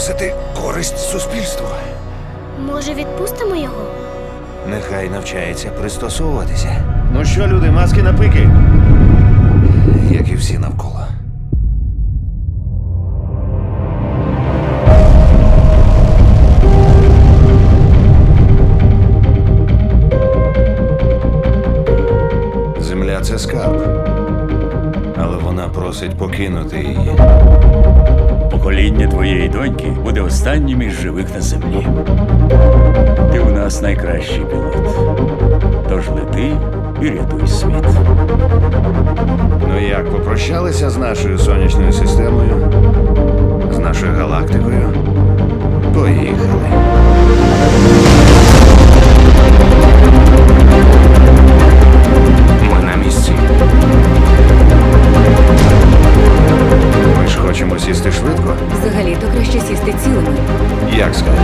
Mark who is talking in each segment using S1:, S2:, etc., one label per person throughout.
S1: приносити користь суспільству.
S2: Може, відпустимо його?
S1: Нехай навчається пристосовуватися. Ну що, люди, маски на пики? Як і всі навколо. Земля — це скарб. Але вона просить покинути її.
S3: Покоління твоєї доньки буде останнім із живих на землі. Ти у нас найкращий пілот. Тож лети і рятуй світ.
S1: Ну як, попрощалися з нашою сонячною системою? З нашою галактикою? Поїхали. Ми на місці. Ми ж хочемо сісти швидко?
S4: Взагалі-то краще сісти цілими.
S1: Як скажеш?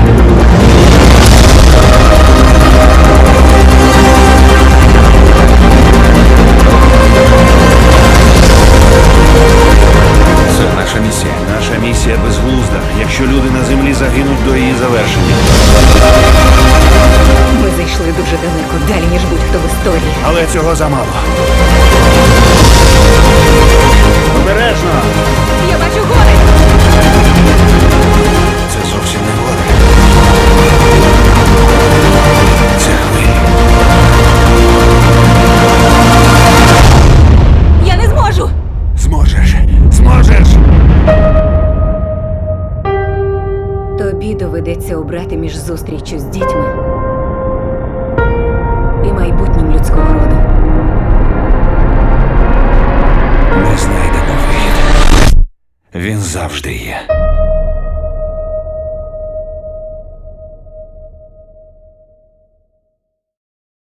S1: Це наша місія. Наша місія безглузда, якщо люди на землі загинуть до її завершення.
S4: Ми зайшли дуже далеко, далі, ніж будь-хто в історії.
S1: Але цього замало. Обережно!
S4: Я бачу гори!
S1: Це зовсім не гори. Це хвилі.
S4: Я не зможу!
S1: Зможеш! Зможеш!
S4: Тобі доведеться обрати між зустріччю з дітьми і майбутнім людського роду.
S1: Ми знайдемо вихід. Він завжди є.